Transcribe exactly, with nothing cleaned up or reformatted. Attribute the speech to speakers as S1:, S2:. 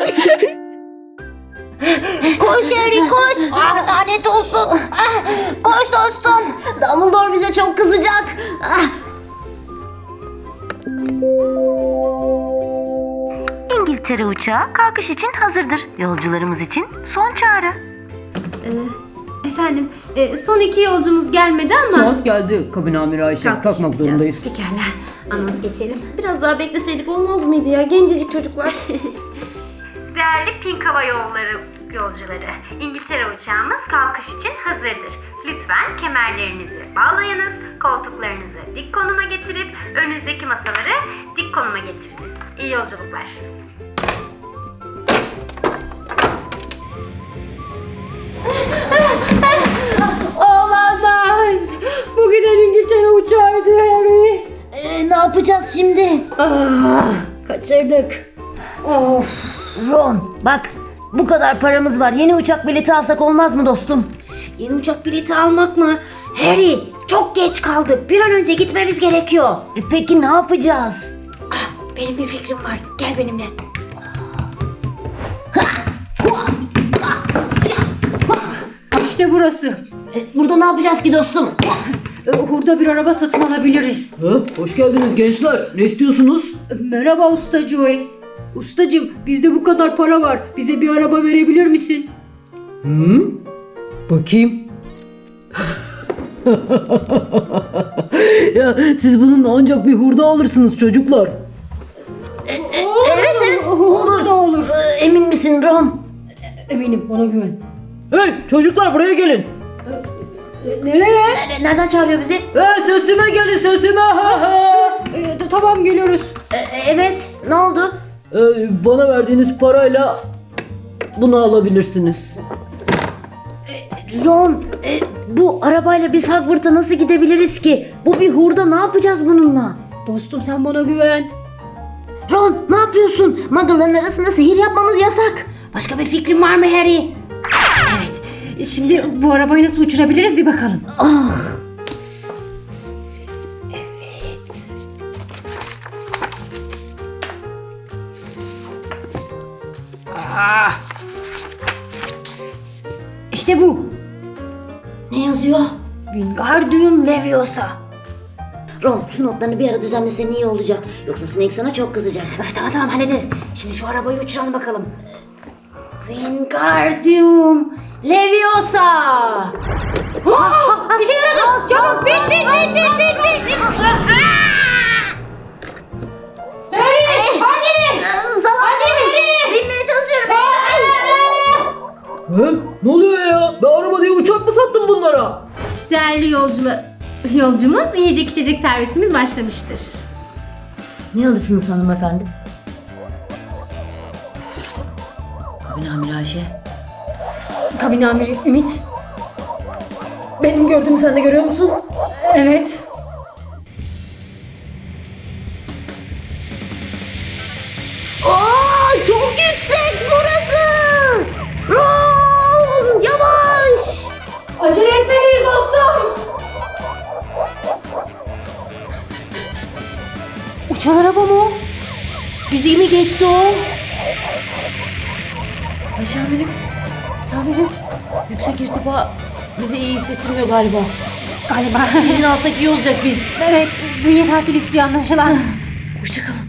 S1: Koş Harry koş. Ah, lanet olsun. Ah, koş dostum. Dumbledore bize çok kızacak. Ah.
S2: İngiltere uçağı kalkış için hazırdır. Yolcularımız için son çağrı.
S3: Ee, efendim, e, son iki yolcumuz gelmedi ama...
S4: Saat geldi kabin amiri Ayşe.
S3: Kalkış
S4: Kalkmak
S3: yapacağız.
S4: zorundayız.
S3: Pekala, anons geçelim.
S5: Biraz daha bekleseydik olmaz mıydı ya? Gencecik çocuklar.
S2: Değerli Pink Hava Yolları yolcuları, İngiltere uçağımız kalkış için hazırdır. Lütfen kemerlerinizi bağlayınız, koltuklarınızı dik konuma getirip önünüzdeki masaları dik konuma getiriniz. İyi yolculuklar.
S3: Olamaz! Bu giden İngiltere uçağıydı Harry.
S1: Ee, ne yapacağız şimdi?
S3: Ah, kaçırdık. Of.
S1: Ron bak, bu kadar paramız var. Yeni uçak bileti alsak olmaz mı dostum?
S3: Yeni uçak bileti almak mı? Harry, çok geç kaldık. Bir an önce gitmemiz gerekiyor.
S1: E, peki ne yapacağız?
S3: Ah, benim bir fikrim var. Gel benimle. İşte burası.
S1: E, burada ne yapacağız ki dostum?
S3: Ee, Hurda bir araba satın alabiliriz.
S4: Ha, hoş geldiniz gençler. Ne istiyorsunuz?
S3: Merhaba Usta Joey. Ustacım, bizde bu kadar para var. Bize bir araba verebilir misin?
S4: Hı? Bakayım. Ya siz bunun ancak bir hurda alırsınız çocuklar.
S3: Evet evet. Olur. Da olur.
S1: Ee, emin misin Ron?
S3: Eminim, bana güven.
S4: Hey çocuklar buraya gelin.
S3: E, Nereye?
S1: Nere- Nereden çağırıyor bizi?
S4: Hey sesime gelin sesime.
S3: E, tamam, geliyoruz.
S1: E, evet, ne oldu?
S4: Ee, bana verdiğiniz parayla bunu alabilirsiniz.
S1: Ron, e, bu arabayla biz Hogwarts'a nasıl gidebiliriz ki? Bu bir hurda, ne yapacağız bununla?
S3: Dostum, sen bana güven.
S1: Ron, ne yapıyorsun? Muggle'ların arasında sihir yapmamız yasak.
S3: Başka bir fikrin var mı Harry? Evet. Şimdi bu arabayı nasıl uçurabiliriz bir bakalım.
S1: Ah,
S3: İşte bu.
S1: ne yazıyor?
S3: Wingardium Leviosa.
S1: Ron, şu notlarını bir ara düzenlesen iyi olacak. Yoksa Snape sana çok kızacak.
S3: Öf, tamam tamam, hallederiz. Şimdi şu arabayı uçuralım bakalım. Wingardium Leviosa. Aa, bir şey yaradı. Çabuk bin bin bin bin bin bin. Harry, hadi.
S1: Salak, binmeye çalışıyorum.
S4: He? Ne oluyor ya? Ben araba diye uçak mı sattım bunlara?
S3: Değerli yolcular, yolcumuz yiyecek içecek servisimiz başlamıştır.
S1: Ne alırsınız hanımefendi? Kabin amiri Ayşe.
S3: Kabin amiri Ümit.
S5: Benim gördüğümü sen de görüyor musun?
S3: Evet.
S1: Aa, çok yüksek burası. Ron, yavaş.
S3: Acele etmeliyiz dostum.
S1: Uçan araba mı o? Bizi mi geçti o? Ayşe amirim, amirim. Yüksek irtifa bizi iyi hissettirmiyor galiba.
S3: Galiba.
S1: İzin alsak iyi olacak biz.
S3: Evet, bünye tatil istiyor anlaşılan.
S1: Hoşçakalın.